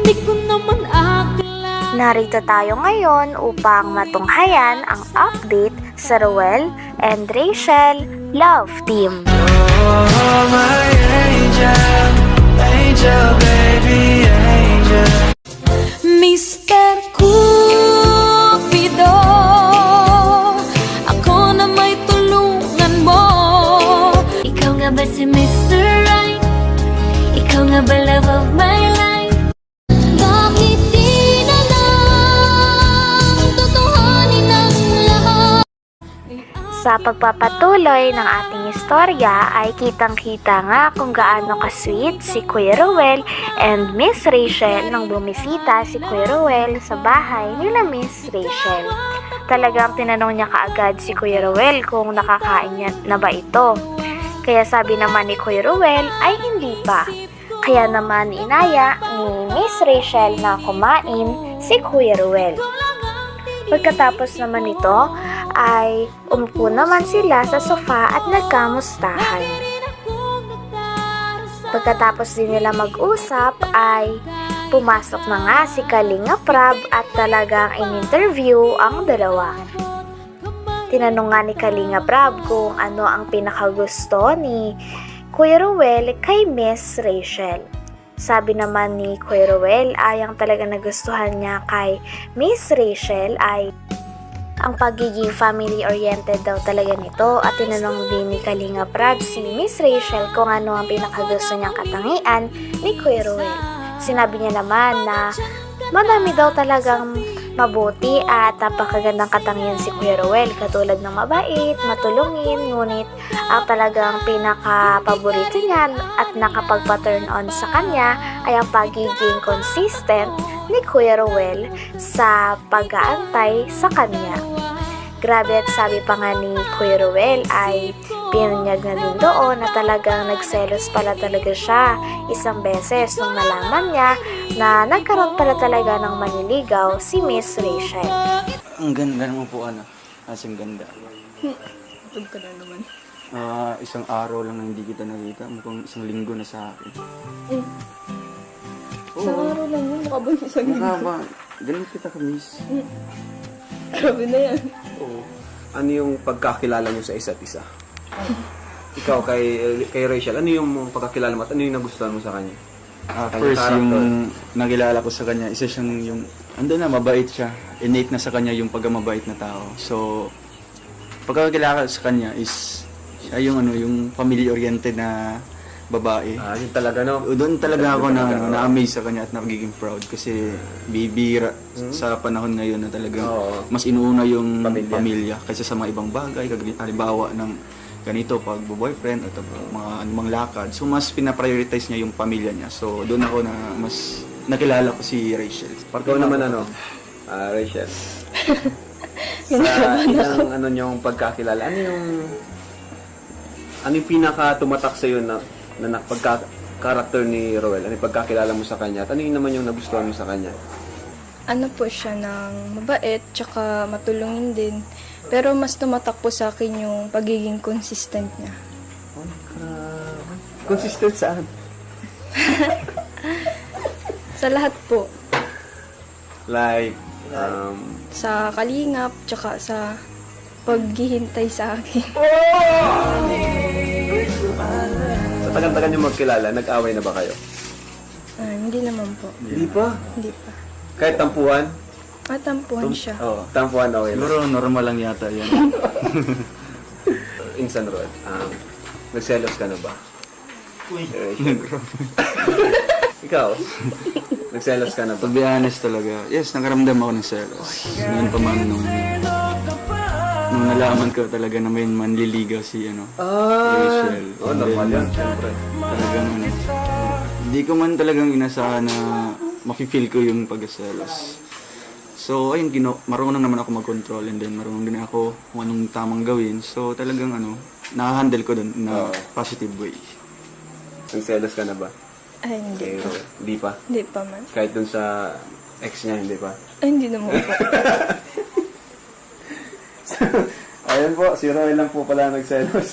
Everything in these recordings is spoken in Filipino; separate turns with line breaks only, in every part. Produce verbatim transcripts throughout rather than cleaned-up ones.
Di ko naman akala.
Narito tayo ngayon upang matunghayan ang update sa Ruel and Rachel Love Team.
Oh, my angel, angel, baby, angel.
Mister Cupido, ako na may tulungan mo. Ikaw nga ba si Mister Right? Ikaw nga ba love of my life? Bakit di na lang tutuhanin ang lahat?
Sa pagpapatuloy ng ating istorya ay kitang-kita nga kung gaano ka-sweet si Kuya Ruel and Miss Rachel nang bumisita si Kuya Ruel sa bahay nila Miss Rachel. Talagang tinanong niya kaagad si Kuya Ruel kung nakakain niya na ba ito. Kaya sabi naman ni Kuya Ruel ay hindi pa. Kaya naman inaya ni Miss Rachel na kumain si Kuya Ruel. Pagkatapos naman nito ay umupo naman sila sa sofa at nagkamustahan. Pagkatapos din nila mag-usap ay pumasok na nga si Kalinga Prab at talagang in-interview ang dalawa. Tinanong nga ni Kalinga Prab kung ano ang pinakagusto ni Kuya Ruel kay Miss Rachel. Sabi naman ni Kuya Ruel ay ang talaga nagustuhan niya kay Miss Rachel ay ang pagiging family-oriented daw talaga nito at tinanong din ni Kalinga Prab si Miss Rachel kung ano ang pinakagusto niyang katangian ni Kuya Ruel. Sinabi niya naman na madami daw talagang mabuti at napakagandang katangian si Kuya Ruel katulad ng mabait, matulungin, ngunit ang talagang pinaka-paborito niya at nakapagpa-turn on sa kanya ay ang pagiging consistent ni Kuya Ruel sa pag-aantay sa kanya. Grabe at sabi pa nga ni Kuya Ruel ay pinunyag na din doon na talagang nagselos pala talaga siya isang beses nung nalaman niya na nagkaroon pala talaga ng maniligaw si Miss Rachel.
Ang ganda naman po, ano. Asing ganda.
Tug ka na naman.
Ah, isang araw lang na hindi kita nakita. Mukhang isang linggo na sa akin.
Eh, isang araw lang yun. Mukha ba yung isang
Mukha
linggo?
ba? Ganun kita ka-miss.
Grabe na yan.
Oo. Ano yung pagkakilala nyo sa isa't isa? Ikaw kay kay Rachel, ano yung pagkakilala mo at ano yung nagustuhan mo sa kanya?
Ah,
Kanyang
first,
character.
yung nakilala ko sa kanya, isa siyang yung, ando na, mabait siya. Innate na sa kanya yung pagkamabait na tao. So, pagkakilala ko sa kanya is, siya yung, ano, yung family-oriented na babae.
Ah, yun talaga, no?
Doon talaga ako na,
Talaga,
ano,
oo.
na-amaze sa kanya at nagiging proud kasi bibira sa panahon ngayon na talagang
Oo.
mas inuuna yung
Pamilya.
pamilya, kaysa sa mga ibang bagay, kag- halimbawa ng ganito pag boyfriend at mga anumang lakad. So mas pina-prioritize niya yung pamilya niya. So doon ako na mas nakilala ko si Rachel.
Ikaw naman ano, ah, Rachel. Sa isang ano yung pagkakilala, ano yung ano yung pinaka tumatak sa iyo na na pagka character ni Roel? Ano yung pagkakilala mo sa kanya? At ano yung naman yung nagustuhan mo sa kanya?
Ano po siya ng mabait, tsaka matulungin din. Pero mas tumatak po sa akin yung pagiging consistent niya.
Consistent saan?
Sa lahat po.
Like, um,
Sa kalingap, tsaka sa paghihintay sa akin.
sa tagal-tagal nyo magkilala, nag-away na ba kayo?
Ah, hindi naman po.
Hindi pa.
Hindi pa.
Kahit tampuhan?
Matampuhan siya.
Oo, tampuhan okay lang.
Siguro normal lang yata yan.
Insan Roel, um, nagselos ka na ba? Uy. Ikaw, nagselos ka na ba?
To be honest talaga, yes, nakaramdam ako ng selos. Noon pa man nung, nung nalaman ko talaga na may manliligaw si ano, Rachel.
Oh,
And
normal
then,
yan, syempre.
Talagang ano, hindi ko man talagang inasahan na mafe-feel ko yung pagkaselos. So, ayun, gino, marunong naman ako mag-control and then marunong din ako kung anong tamang gawin. So, talagang ano, nakahandle ko dun na
Oo.
positive way.
Nagselos ka na ba?
Ay, hindi
Kay
pa.
Roel? Hindi pa?
Hindi pa man.
Kahit dun sa ex niya, hindi pa?
Ay, hindi naman po.
Ayun po, si Roel lang po pala nagselos.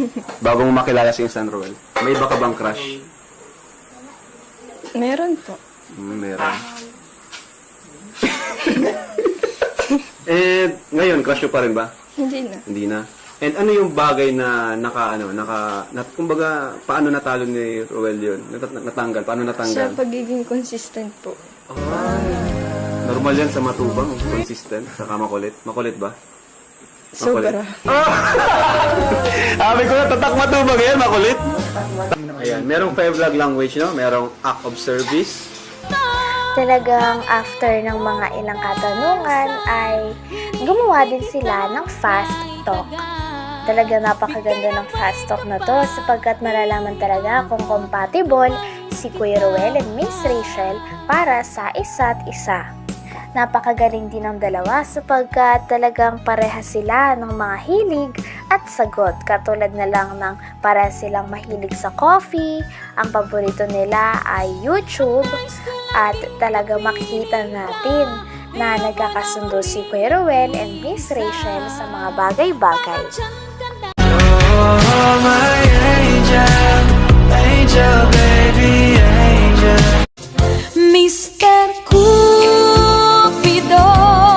Bago mo makilala si Insan Roel, may iba ka bang crush?
Meron po.
Mm, meron. And ngayon, crush mo pa rin ba?
Hindi na.
Hindi na. And ano yung bagay na naka, ano, naka, nat, kumbaga, paano natalo ni Roel yun? Nat, natanggal, paano
Sa
natanggal?
pagiging consistent po.
Normal yan sa matubang, consistent, saka makulit. Makulit ba?
Sobra.
Sabi ko na, tatak matubang yan, makulit. Ayan, merong five love language, no? Merong act of service.
Talagang after ng mga ilang katanungan ay gumawa din sila ng fast talk. Talaga napakaganda ng fast talk na to sapagkat malalaman talaga kung compatible si Kuya Roel and Miss Rachel para sa isa't isa. Napakagaling din ng dalawa sapagkat talagang pareha sila ng mga hilig at sagot. Katulad na lang ng para silang mahilig sa coffee, ang paborito nila ay YouTube, at talaga makikita natin na nagkakasundo si Kuya Roel and Miss Rachel sa mga bagay-bagay.
Oh, my angel, angel, baby, angel.
Mister Cupido,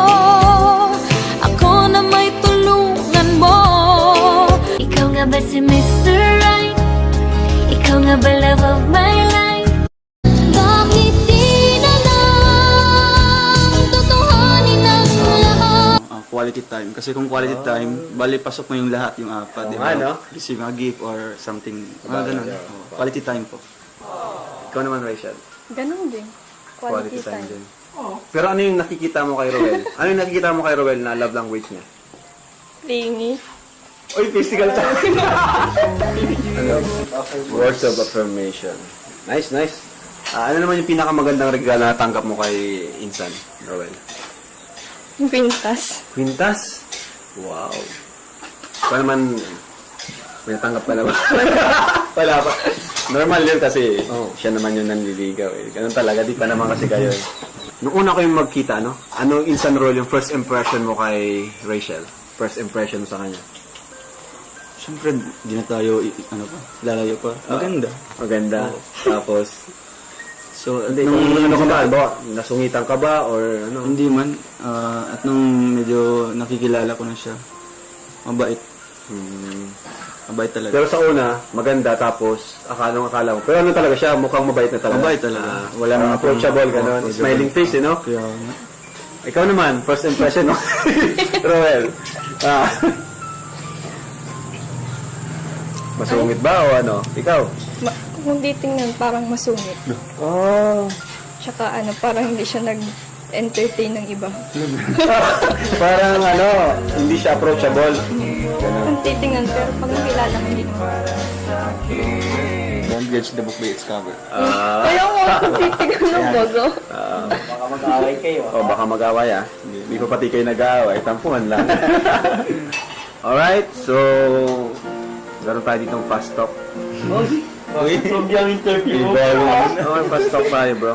ako na may tulungan mo. Ikaw nga ba si Mister Right? Ikaw nga ba love of my life? Bakit di na lang tutuhanin ang lahat?
Ah, quality time. Kasi kung quality time, bali pasok mo yung lahat, yung apat.
Oo
di
nga,
ba?
no?
Receive a gift or something. Mga
Bagay,
ganun.
yeah.
Oo, quality time po.
Ikaw naman, Rachel.
Ganun din. Quality, time.
din. Pero ano yung nakikita mo kay Roel? Ano yung nakikita mo kay Roel na love language niya?
Lingi.
Uy, physical time! ano? Words of affirmation. Nice, nice. Ah, ano naman yung pinakamagandang regalo na natanggap mo kay Insan, Roel?
Quintas.
Quintas? Wow. Ikaw naman, may natanggap ka na ba? Wala pa. Normal yun kasi oh, siya naman yung nanliligaw eh. Ganun talaga, di pa naman kasi kayo eh. Nung una kayong magkita, no? Ano Insan Roel yung first impression mo kay Rachel? First impression mo sa kanya?
Siyempre, di na tayo, i- ano pa, lalayo pa. Maganda.
Maganda. Tapos,
So, at
hindi,
nung,
kung ano ka ba? Ba? Nasungitan ka ba? Or ano?
hindi man, ah, at nung medyo nakikilala ko na siya, mabait.
Hmm.
Mabait talaga.
Pero sa una, maganda, tapos akala akala mo. Pero ano talaga siya, mukhang mabait na talaga.
Mabait talaga.
Ah, walang approachable, gano'n.
approachable.
Smiling face, eh, no?
Kaya, nga.
Ikaw naman, first impression mo. Roel. Ah. Masungit ba o ano? Ikaw?
Ma- kung di tingnan, parang masungit.
Oh.
Tsaka ano, parang hindi siya nag-entertain ng iba.
Parang ano, hindi siya approachable.
Kung titingnan, pero pag nakilala mo, hindi naman.
Don't judge the book by its cover.
Ah.
Kaya mo, kung titingnan ng bago.
Baka mag-away kayo. O, baka mag-away ah. Hindi, hindi pa pati kayo nag-away. Tampuhan lang. Alright, so... Meron tayo ditong fast talk.
Okay, from yung interview.
Oo, fast talk tayo, bro.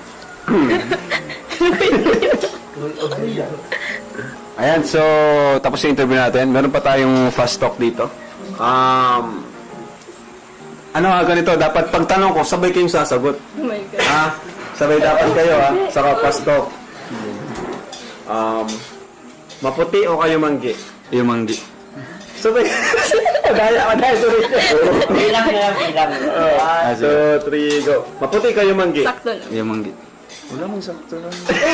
Ayan, so... Tapos yung interview natin. Meron pa tayong fast talk dito. Um... Ano nga ganito? Dapat pagtanong ko, sabay kayong sasagot.
Oh my God.
Ah, sabay dapat kayo ah, saka fast talk. Um, maputi o kayo manggi?
Yung manggi.
Sabay. Madaya, madaya, sorry.
Bilang na bilang.
One, two, three, go. Maputi kayo manggi?
Sakto lang.
Yung manggi. Wala man sakto lang.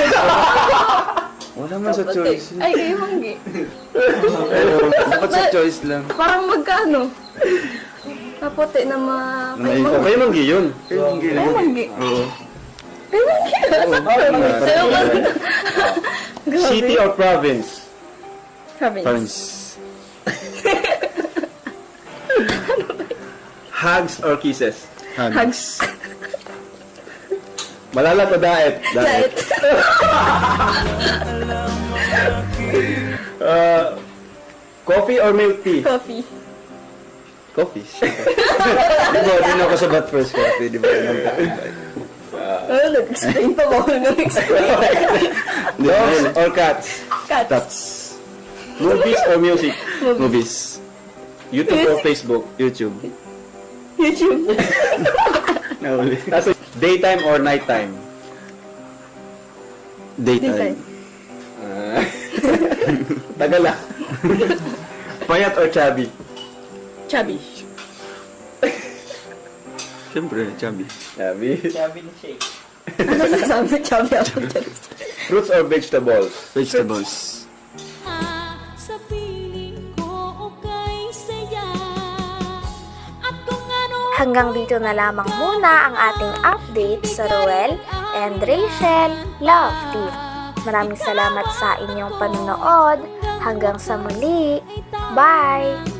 Wala man sa choice.
Ay, kayo manggi.
Dapat sa choice lang.
Parang magkano? Kapote na ma... Kayo
O,
manggi.
kayo manggi yun.
Kayo manggi.
Kayo manggi.
Oo.
Kayo manggi. Kayo manggi.
City or province?
Province.
Parents.
Hugs or kisses?
Hugs.
Malalat o daet?
Diet.
Uh, coffee or milk tea?
Coffee.
Coffee. Di ba, din ako sa bat first coffee, di ba?
Oh, nag-explain pa ba ako nag-explain?
Dogs or cats?
Cats.
Tats.
Movies or music?
Movies.
YouTube or Facebook?
YouTube.
YouTube.
Nahuli.
Tapos, daytime or nighttime?
Daytime.
Ah. Tagal ah. Payat or chubby?
Chubby.
Siyempre, chubby.
Chubby.
Sabi ni Shake.
Ano sasabi? Chubby ako.
Fruits or vegetables?
Vegetables.
Sa piling ko okay saya. At kung ano
Hanggang dito na lamang muna ang ating update sa Ruel and Rachel Love Team. Maraming salamat sa inyong panonood. Hanggang sa muli. Bye!